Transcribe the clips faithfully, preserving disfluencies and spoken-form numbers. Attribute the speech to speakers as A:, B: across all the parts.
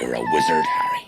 A: You're a wizard, Harry.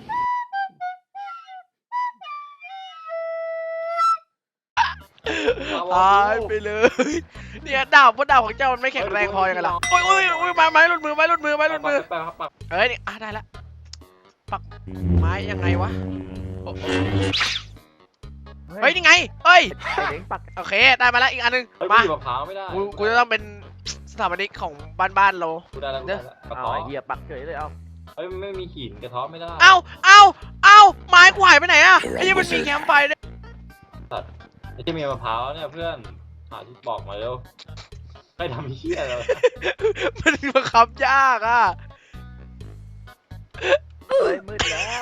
B: ตายไปเลยเนี่ยดาบว่าดาบของเจ้ามันไม่แข็งแรงพอยังไงล่ะโอ้ยโอ้ยโอ้ยไม้ไม้หลุดมือไม้หลุดมือไม้หลุดมือ
C: ปักปัก
B: เอ้ยนี่อ่ะได้ละปักไม้ยังไงวะโอ้โหเฮ้ยนี่ไงเฮ้ย
D: ไอ้เล้งปัก
B: โอเคได้มาแล้วอีกอันนึง
C: เฮ้ย
B: มา
C: กูมะพร้าวไม่ได้
B: กูกูจะต้องเป็นสถาปนิกของบ้านบ้านๆเรา
C: กูได้แล้วกูได้แล้วกระ
D: เอา
C: ท้อ
D: ไอ้เหี้ยปักเฉยเลยเอา
C: เฮ้ยไม่มีหินกระท้อไม่ได้
B: เอ้าเอ้าเอ้าไม้กูหายไปไหนอะไอ้ยี่มันมีแคมป์ไฟด้วย
C: ไอ้ที่มีมะพร้าวเนี่ยเพื่อนหาที่บอกมาเร็วให้ทำเหี้ยเลย
B: มันบังคับยากอะ
D: เฮ้ยมืดแล้ว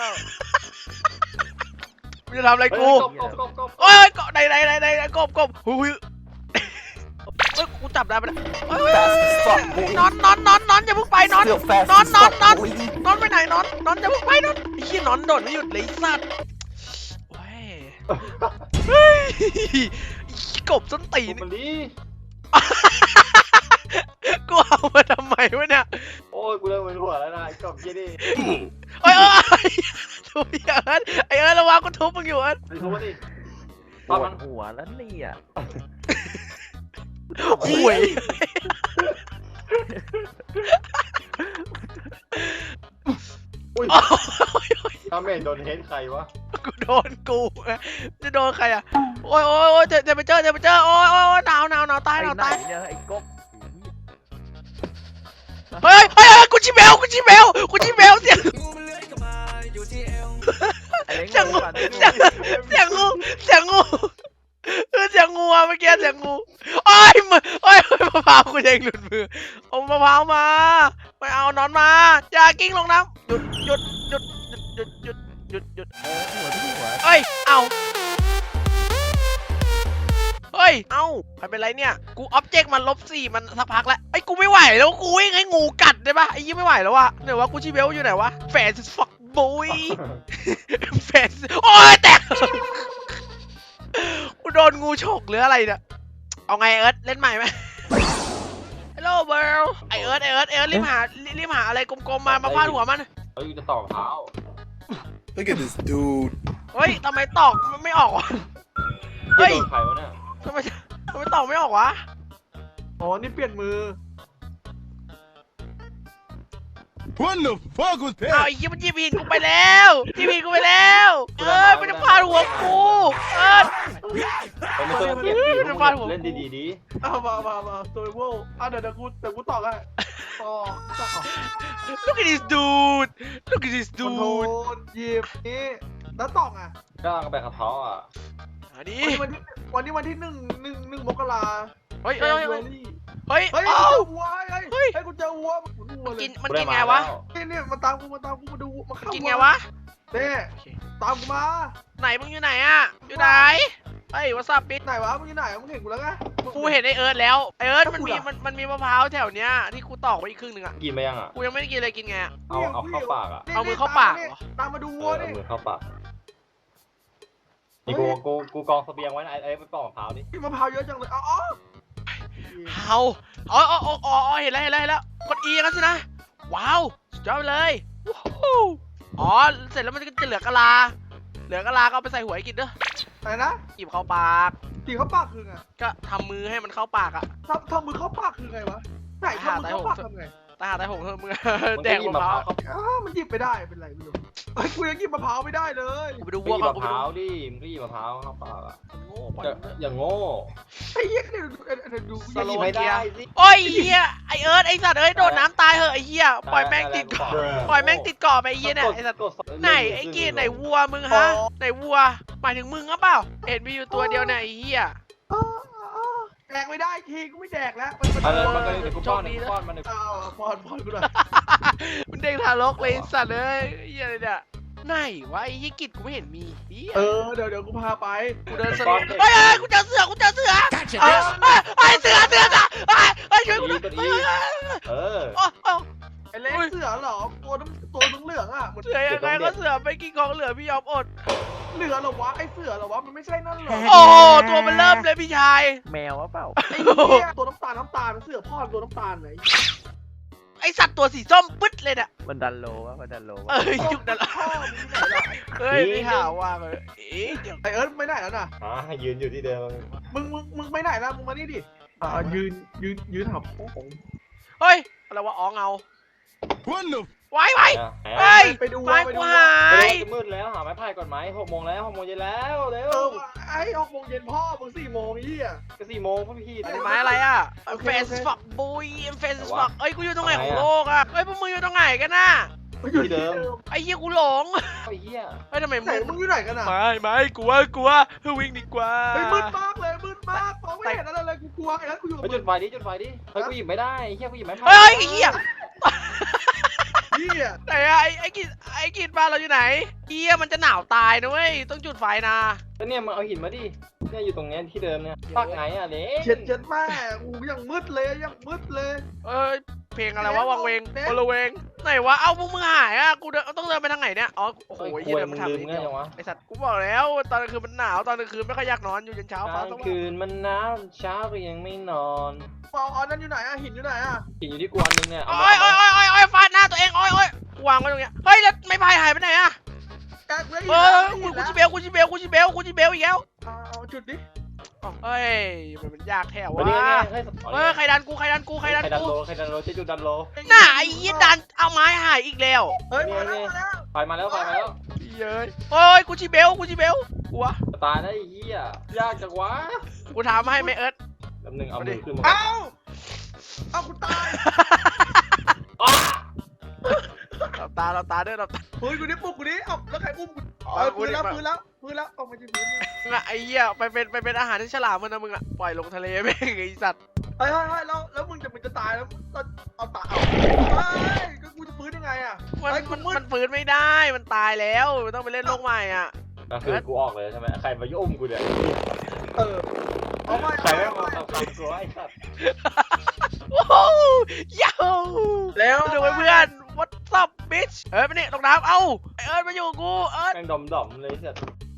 B: มึงจะทำอะไรกู
C: กบกบกบกบ
B: โอ้ยกบไหนไหนไหนไหนกบกบหุยเฮ้ยกูจับได้ปะเนี่ยเฮ้ยนอนนอนนอนนอนอย่าเพิ่งไปนอนนอนนอนนอนนอนไปไหนนอนนอนอย่าเพิ่งไปนอนไอ้ขี้นอนโดดไม่หยุดเลยสัตว์โอ้ยเฮ้ยกบส้นตี
C: กู
B: น
C: มันดี
B: กูเอามาทำไมวะเนี่ย
C: โอ้ยกูเริ่มมึนหัวแล้วนะไอ้กบเหี้ยดิ
B: เอ้ยเอ้ยทุบไอ้เอิร์ธไอ้เอิร์ธระวังกูทุบมึงอยู่เอิร์ธ
C: ไอ้ทุบดิ
D: ปวดหัวแล้วเนี่ย
B: ห่วยโอ้ย
C: ถ้าไม่โดนเฮดใครวะ
B: กูโดนกูจะโดนใครอ่ะโอ้ยโอ้ยโอ้ยเจอไปเจอเจอไปเจอโอ้ยโอ้ยหนาวหนาวหนาวตาย
D: ไอ้
B: หนาว
D: ไหน
B: ตาย
D: เนี่ยไอ้กบ
B: เฮ้ยเฮ้ยกูชิเบลกูชิเบลกูชิเบลเสียง
D: ไอ้เล้ง
B: เสียงงู
D: ก่อน
B: เสียงเสียงงูเสียงงูเออเสียงงูอะเมื่อกี้เสียงงูโอ้ยมือโอ้ยมะพร้าวกูเองหลุดมือเอามะพร้าวมาไม่เอานอนมาอย่ากิ้งลงน้ำหยุดหยุดหยุดหยุดหยุดหยุดหยุด
D: เออหัวที่หัว
B: เอ้ยเอาเฮ้ยเอาใครเป็นไรเนี่ยกูออบเจกต์มันลบสี่มันสักพักแล้วไอ้กูไม่ไหวแล้วกูวิ่งให้งูกัดได้ปะไอ้ยี่ไม่ไหวแล้ววะเดี๋ยววะกูชิเบลอยู่ไหนวะแฟนส์ฟักบุย แฟนโอ้ยแตกกูโดนงูฉกหรืออะไรเนี่ยเอาไงเอิร์ธเล่นใหม่ไหม Hello world ไอเอิร์ธไอเอิร์ธไอเอิร์ธรีบหารีบหาอะไรกลมๆมามาฟาดหัวมัน
C: เฮ้ยจะต่อมะพร้าว
A: Look at this dude.
B: เฮ้ยทำไมตอกมันไม่ออกวะ
C: เฮ้
B: เฮ้
C: ย
B: ย
C: โดนใครวะเนี่ย
B: ทำไมทำไมตอกไม่ออกวะ
E: อ๋อนี่เปลี่ยนมือ
A: What the fuck was
B: เอาไอ้ยี่มันยีบีนกูไปแล้วยีบีนกูไปแล้วเอิร์ธมันจะฟาดหัวกูเอิร์ธ
C: เฮ้ยไม่ต้องเกลียดดิ
B: เดี๋ยวฟาดหัว
C: เล่นดีๆดี
E: เอามามามาโซเวอร์อ่ะเดี๋ยวเดี๋ยวกูเดี๋ยวกูต่อกันต่อต่อ
B: Look at this dude Look at this
E: คอนโทร
B: dude
E: ลหยิบนี่แล้วต่องอ่ะ
C: ก้างแบบกระท้ออ่ะ
B: อันนี้
E: วันนี้วันที่วันที่หนึ่งหนึ่งหนึ่งมกรา
B: เฮ้ย
E: เฮ้
B: เฮ้
E: ย
B: ย
E: เฮ้
B: เฮ้
E: ย
B: ย
E: เฮ้ย
B: เอ้า
E: กูเจอวัวเฮ้ย
B: เฮ้ย
E: เฮ้ยกูเจอวัวหมุนวัวเลย
B: กินมัน
C: กูด้
B: กินไงวะ
C: มาแล้
E: นี่เนี่ยมาตามกูมาตามกูมาดูมาเข้า
B: กิน
E: วั
B: ไงวะ
E: เน่ตามกูมา
B: ไหนมึงอยู่ไหนอะอยู่ไหนเฮ้ย what's up bitch
E: ไหนวะมึงอยู่ไหนมึงเห็นกูแล้วไง
B: กูเห็นไอเอิร์ธแล้วไอเอิร์ธมันมี
E: กูเหรอ
B: มันมันมีมะพร้าวแถวเนี้ยที่กูตอกไว้อีกครึ่งหนึงอะ
C: กินไปยังอ่ะ
B: กูยังไม่ได้กินเลยกินไงอะ
C: เอาเอาเข้าปากอ่ะ
B: เอามือเข้าปากเหรอ
E: ตามมาดู
C: เอ
E: วัว
C: อ
E: ดิ
C: เอามือเข้าปากนี่กูกูกูกองเสบียงไว้นะไอ้ไอ้ไปปอกมะพร้าวดิ
E: กินมะพร้าวเยอะจังเลยอ๋ออ๋อ
B: เอาอ๋ออ๋ออ๋ออ๋อเห็นแล้วเห็นแล้วเห็นแล้วกด E กันสินะว้าวสุดยอดไปเลยวู้ฮู้อ๋อเสร็จแล้วมันก็จะเหลือกะลา เหลือกะลาก็เอาไปใส่หัวให้กินเด้อ
E: อะไรนะ
B: หยิบเข้าปาก
E: ตีเข้าปากคือไง
B: ก็ทำมือให้มันเข้าปากอะ
E: ทำทำมือเข้าปากคือไงวะไหนทำมือเข้าปากทำไง
B: ตาหาแต่ผมเถอะมึง
C: มัน
B: แด
C: ก็
B: ก
C: หยิบ
B: มะ
C: มะ
B: พ
C: พ
B: ร้า
C: ร้าว วเข้า
E: อ้ามันหยิบไม่ได้เป็นไรไม่รู้ไอ้ยกูยังหยิบมะพร้าวไม่ได้เลย
B: กูไปดู
C: ไป
B: วัว
C: หยิบ
B: ก่อน
C: มะ
B: กู
C: พ
B: ไป
C: ร้า
B: ดู
C: วดิมึงก็หยิบมะพร้าวเข้าปากอ่ะ
B: โง่ปล่อย
C: อย่า
B: มันเถอะ
C: อย่างโง่
E: ไอ้เหี้ยเนี่ยดูเดี๋ยวดู
B: สโลว์
C: ไม่ได้สิ
B: โอ้ยเฮียไอเอิร์ธไอสัตว์เอ้ยโดนน้ำตายเหอะไอเฮียปล่อยแม่งติดเกาะปล่อยแม่งติดเกาะไปไอเฮียเนี่ยไอสัตว์
C: กด
B: ไหนไอกีไหนวัวมึงฮะไหนวัวหมายถึงมึงหรือเปล่าเห็นมีอยู่ตัวเดียวเนี่ยไอเฮีย
E: อ้ออ้อแดกไม่ได้ทีกูไม่แดกแล้วมันมัน
C: อะไรมันก็เดี๋ยวกูป้อนเดี๋ยวกูป้อนมันเดี๋ยว
E: อ้าวพอนพอนกูหน่อย
B: มันเด็กทารกเลยไอ้สัตว์เอ้ยไอ้เฮียอะไรเนี่ยไหนวะไอ้เฮียกิจกูไม่เห็นมีเฮีย
E: เออเดี๋ยวเดี๋ยวกูพาไป
B: กูเดินสนุกเฮ้ยเฮ้ยกูเจอเสือกูเจอเสือเอ้ยเฮ้ยเฮ้ยเสือเสือเสือเฮ้ยเฮ้ยช่วยกูด้วยเฮ้ยเฮ้ยเฮ้ย
C: เออ
B: โอ้โอ้
E: ไอ้เล็กเสือเหรอตัวน้ำตัวเหลืองๆอ่ะเหมือน
B: เสือยังไงก็เสือไปกินของเหลือพี่ยอมอด
E: เหลือเหรอวะไอ้เสือเหรอวะมันไม่ใช่นั่นเหรอ
B: โอ้ตัวมันเริ่มเลยพี่ชาย
D: แมววะเปล่า
E: ไอ้เหี้ยตัวน้ำตาลน้ำตาลเสือพ่อตัวน้ำตาลไหน
B: คไอสัตว์ตัวสีส้มปึ๊ดเลยเนี่ย
D: มันดันโลวะมันดันโลวะ
B: เอ้ยยุคนั้นละ
E: พ่อมึงที่ไหนล่ะ
B: เฮ้ยไม่หาว่าเลยเอ๊ะเดี๋ยว
E: ไอเอิร์ธไม่ไหนแล้วน่ะ
C: อ่ายืนอยู่ที่เดิม
E: มึงมึงมึงไม่ไหนแล้วมึงมานี่ดิอ่ายืนยืนยืนหับโอ้โห
B: เฮ้ยอะไรวะอ๋อเงา
A: What the
B: ไว้ไว้
C: นะ
B: เฮ้ย
E: ไปดู
B: ไม้
E: ไป
B: กู
E: ดู
B: หาย
C: จะมืดแล้วหาไม้พายก่อนไหมหกโมงแล้วหกโมงเย็นแล้วเร็
E: เอ
C: ว
E: อไอ้หกโมงเย็นพ่อมึงสี่โมงยี่อ่ะ
C: ก็สี่โมงพ่อพี่
B: ไม้อะไรอ่ะ
E: โอเค
B: เฟส
E: โอเค
B: ฟักบุยเฟส
C: แต่
B: ฟั
C: ว่า
B: กเอ้ยกูอยู่ตรงไหน
C: ทำไม
B: ของ
C: อะ
B: โลกอ่ะเอ้ยพวกมึงอยู่ตรงไหนกันน่ะ
E: มันอยู่
C: ที่เดิม
B: ไอ้เหี้ยกูหลง
C: ไอ้เหี้ย
B: เฮ้ยทำไม
E: ไหน
B: มึง
E: มึงอยู่ไหนกันอ่ะ
B: ไม่ไม่กลัวกลัววิ่งดีกว่า
E: เฮ้ยมืดมากเลยมืดมากมองไม่เห็นอะไรเลยกูกลัวไอ้นั้นกูอยู่
C: ไป
E: กับ
C: จุ
E: มึ
C: ด
E: ง
C: ไฟดิจุดไฟดิเฮ้ยกูหยิบไม่ได้ไอ้เหี้ยกูหยิบไม้พาย
B: เฮ้ยไอ้เหี้ย
E: ยี่อ่ะ
B: ไหนอะไอ้ไอ้กินไอ้กินบ้านเราอยู่ไหนเหี้ยมันจะหนาวตายนะเว้ยต้องจุดไฟนะ
C: แล้วเนี่ยมึงเอาหินมาดิเนี่ยอยู่ตรงเนี้ยที่เดิมเนี่ยปักไหนอ่ะเด็ก
E: เช็ดเช็ดแม่กูยังมืดเลยยังมืดเลย
B: เอ้ยเพลงอะไรวะวังเวง
E: เด็ก
B: โอละเวงไหนวะเอ้าพวกมึงหายอ่ะกูเดินต้องเดินไปทางไหนเนี่ยอ๋อโอ้โห
C: โอ้ย
B: เหี้ย
C: ควย
B: เดิน
C: มึ
B: มาง ทาง
C: ลืม
B: นี้
C: ง่าย
B: เดียว
C: จังวะ
B: ไอสัตว์กูบอกแล้วตอนกลางคืนมันหนาวตอนกลางคืนไม่ค่อยอยากนอนอยู่จนเช้าฟ้าก
C: ลา
B: ส
C: ง
B: ว่าง
C: คืนมันหนาวเช้าก็ยังไม่นอน
E: เอาเอานั่นอยู่ไหนอ่ะหินอยู่ไหนอ่ะ
C: หินอยู่ที่กวนนึงเนี่ยเอา
B: โอ้ยโอ้ยโอ้ยโอ้ยโอ้ยฟาดหน้าตัวเองโอ้ยโอ้ยวางไว้ตรงเนี้ยเฮ้ยแล้วไม่พายหายไปไหนอะ
E: แกกูได้หิน
B: เอ
E: แล้
B: อ
E: ว
B: กู
E: หิน
B: กู
E: แล้ว
B: จิเบลกูจิเบลกูจิเบลกูจิเบลอีกแล้ว
E: เอาเอาจุดดิ
B: อ๋อเฮ้ยมันมันยากแท้
C: วันนี้
B: วะ
C: ไงเฮ้ย
B: เออใครดันกูใครดันกูใครดัน
C: ใครดัน
B: กู
C: โลใครดันโลเจ๊จุดดันโล
B: หน้าไอ้ยี่ดันเอาไม้หายอีกแล้ว
E: เฮ้ยมาแล้วมาแล้ว
C: ไฟมาแล้วไฟมาแล้ว
B: เย้ยโอ้ยกูจิเบลกูจิเบลกลัว
C: ตายแล้วไอ้เหี้ยยากจังวะ
B: กูถามให้ไหมเอิร์ธ
C: แป๊บนึงเอามือขึ้นมา
E: เอาเอากูตาย
C: อ้า
B: เราตาเราตาเด้อเราตา
E: เฮ้ยกูนี่ปลุกกูนี่เอาแล้วใครอุ้มกู
B: อ๋อ
E: เออ
B: กู
E: พื้น
B: นี่
E: แล้ว
B: ปะ
E: พื้นแล้วพื้นแล้วเอามาที่พื้น
B: มึงอะไอ้เหี้ยไปเป็นไปเป็นอาหารที่ฉลามมันนะมึงอะปล่อยลงทะเลแม่งไอ้สัตว์
E: เฮ้ยเฮ้ยเฮ้ยแล้วแล้วมึงจะมึงจะตายแล้วเอาเอาตายเอาเฮ้ยก็กูจะฟื้นยังไงอ่ะ
B: มัน
E: เฮ้ยกู
B: มัน
E: มืด
B: มันฟื้นไม่ได้มันตายแล้วมันต้องไปเล่นโลกใหม่อ่ะ
C: ก็คือกูออกเลยใช่ไหมใครมายุ่มกูเนี่ย
E: เออเอาไม่
C: ใคร
E: เอา
C: ไม่
E: ไม่
C: มา
E: เอา
C: ทำ
E: ไม่
C: คำกูไอ้สัตว์
B: โอ้โหยาว
E: แล้ว
B: ดูไว้เพื่อน what's up bitch เอ้ยไปนี่ลงน้ำเอ้าไอเอิร์ธมาอยู่กับกูเอิร์ธ
C: แม่งดอมดอมๆเลยไอ้สัตว์